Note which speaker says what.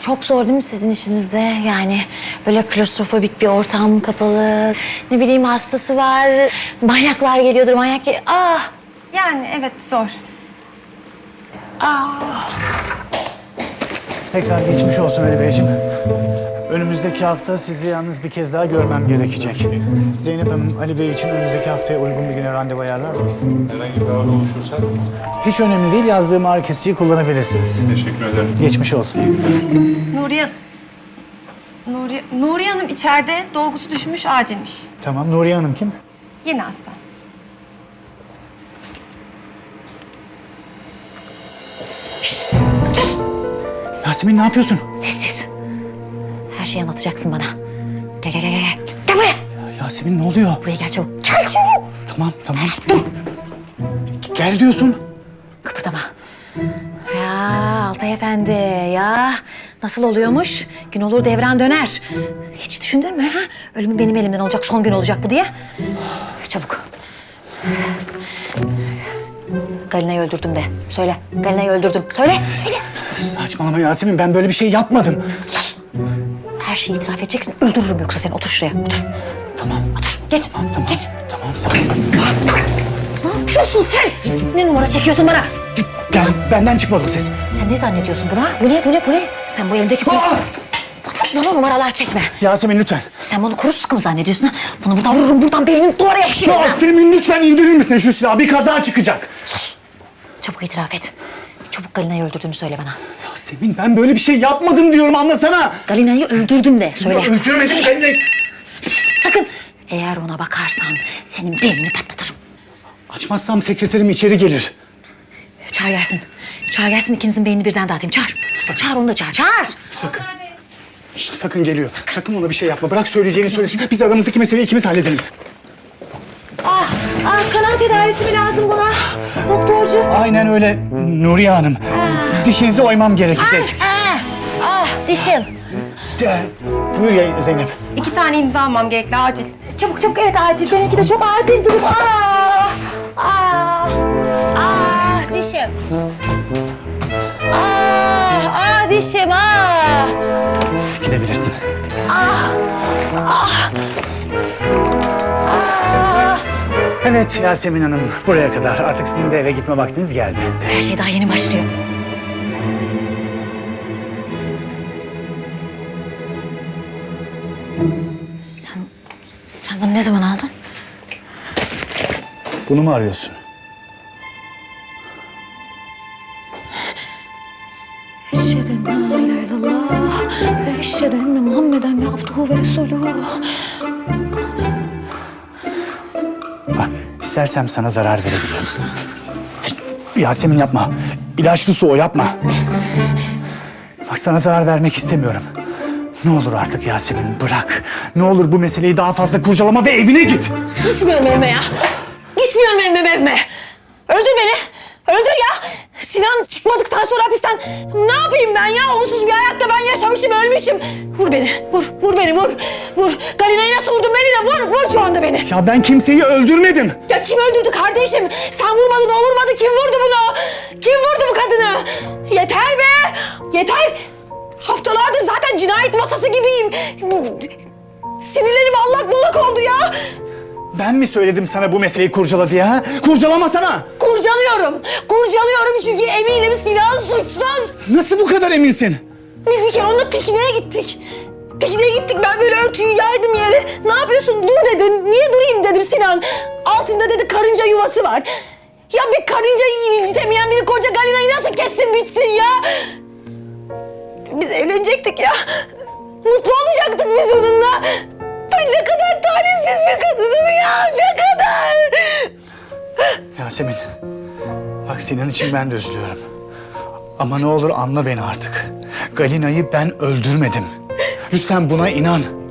Speaker 1: Çok zor değil mi sizin işinizde? Yani böyle klostrofobik bir ortam kapalı. Ne bileyim hastası var. Manyaklar geliyordur Ah!
Speaker 2: Yani evet zor.
Speaker 3: Tekrar geçmiş olsun Ali Beyciğim. Önümüzdeki hafta sizi yalnız bir kez daha görmem gerekecek. Zeynep Hanım, Ali Bey için önümüzdeki haftaya uygun bir güne randevu ayarlar mısınız?
Speaker 4: Herhangi bir ağrı oluşursa
Speaker 3: Hiç önemli değil, yazdığım ağrı kesiciyi kullanabilirsiniz.
Speaker 4: teşekkür ederim.
Speaker 3: Geçmiş olsun.
Speaker 2: Nuriye Hanım içeride, dolgusu düşmüş, acilmiş.
Speaker 3: Tamam, Nuriye Hanım kim?
Speaker 2: Yeni hasta.
Speaker 3: Yasemin ne yapıyorsun?
Speaker 1: Sessiz. Her şeyi anlatacaksın bana. Gel gel gel gel. Gel buraya.
Speaker 3: Yasemin ne oluyor?
Speaker 1: Buraya gel çabuk. Gel çabuk.
Speaker 3: Tamam. Dur. Gel diyorsun.
Speaker 1: Kıpırdama. Ya Altay Efendi ya. Nasıl oluyormuş? Gün olur devran döner. Hiç düşündün mü ha? Ölümün benim elimden olacak, son gün olacak bu diye. Çabuk. Galina'yı öldürdüm de. Söyle. Galina'yı öldürdüm. Söyle. Söyle.
Speaker 3: Saçmalama Yasemin, ben böyle bir şey yapmadım.
Speaker 1: Her şeyi itiraf edeceksin. Öldürürüm yoksa seni. Otur şuraya. Otur.
Speaker 3: Tamam.
Speaker 1: Otur. Geç.
Speaker 3: Tamam.
Speaker 1: Geç.
Speaker 3: Tamam, sakin.
Speaker 1: Ne yapıyorsun sen? Ne numara çekiyorsun bana?
Speaker 3: Gel, benden çıkmadı o ses.
Speaker 1: Sen ne zannediyorsun buna? Bu ne? Sen bu elimdeki kuru... Bana numaralar çekme.
Speaker 3: Yasemin lütfen.
Speaker 1: Sen bunu kuru sıkı mı zannediyorsun ha? Bunu buradan vururum, buradan beynin duvara yapışır.
Speaker 3: Yasemin lütfen indirir misin şu silahı? Bir kaza çıkacak.
Speaker 1: Çabuk itiraf et. Çabuk Galina'yı öldürdüğünü söyle bana.
Speaker 3: Yasemin ben böyle bir şey yapmadım diyorum, anlasana.
Speaker 1: Galina'yı öldürdüm de söyle.
Speaker 3: Öldürmedim ben de.
Speaker 1: Sakın. Eğer ona bakarsan senin beynini patlatırım.
Speaker 3: Açmazsam sekreterim içeri gelir.
Speaker 1: Çağır gelsin. Çağır gelsin, ikinizin beynini birden dağıtayım. Çağır. Çağır onu da çağır. Çağır.
Speaker 3: Sakın. Sakın geliyor. Sakın ona bir şey yapma. Bırak söyleyeceğini söylesin. Biz aramızdaki meseleyi ikimiz halledelim.
Speaker 1: Kanal tedavisi mi lazım buna? Doktorcu.
Speaker 3: Aynen öyle Nuriye Hanım. Dişinizi oymam gerekecek.
Speaker 1: Dişim.
Speaker 3: Buyur ya Zeynep.
Speaker 2: 2 tane imza almam gerekli, acil.
Speaker 1: Çabuk evet acil. Benimki de çok acil durum. Dişim. Dişim.
Speaker 3: Gidebilirsin. Evet Yasemin Hanım, buraya kadar. Artık sizin de eve gitme vaktiniz geldi.
Speaker 1: Her şey daha yeni başlıyor. Sen bunu ne zaman aldın?
Speaker 3: Bunu mu arıyorsun?
Speaker 1: Eşhedü en la ilahe illallah ve eşhedü enne Muhammeden abduhu ve resuluhu.
Speaker 3: Bak, istersem sana zarar verebilirim. Yasemin yapma. İlaçlı su o, yapma. Bak sana zarar vermek istemiyorum. Ne olur artık Yasemin, bırak. Ne olur bu meseleyi daha fazla kurcalama ve evine git.
Speaker 5: Gitmiyorum evime ya. Gitmiyorum evime. Öldür beni. Öldür ya. Sinan çıkmadıktan sonra hapisten ne yapayım ben ya? Onsuz bir hayatta ben yaşamışım, ölmüşüm. Vur beni. Vur beni, vur. Galina'yı nasıl vurdun beni de vur şu anda beni.
Speaker 3: Ya ben kimseyi öldürmedim.
Speaker 5: Ya kim öldürdü kardeşim? Sen vurmadın, o vurmadı. Kim vurdu bunu? Kim vurdu bu kadını? Yeter be. Yeter. Haftalardır zaten cinayet masası gibiyim. Sinirlerim allak bullak oldu ya.
Speaker 3: Ben mi söyledim sana bu meseleyi kurcala diye ha? Kurcalamasana.
Speaker 5: Kurcalıyorum çünkü eminim Sinan suçsuz.
Speaker 3: Nasıl bu kadar eminsin?
Speaker 5: Biz bir kere onunla pikniğe gittik. Ben böyle örtüyü yaydım yere. Ne yapıyorsun? Dur dedin. Niye durayım dedim Sinan. Altında dedi karınca yuvası var. Ya bir karıncayı incitemeyen bir koca Galina'yı nasıl kessin bitsin ya? Biz evlenecektik ya. Mutlu olacaktık biz onunla. Ben ne kadar talihsiz bir kadınım ya. Ne kadar.
Speaker 3: Yasemin, bak Sinan için ben de üzülüyorum. Ama ne olur anla beni artık. Galina'yı ben öldürmedim. Lütfen buna inan.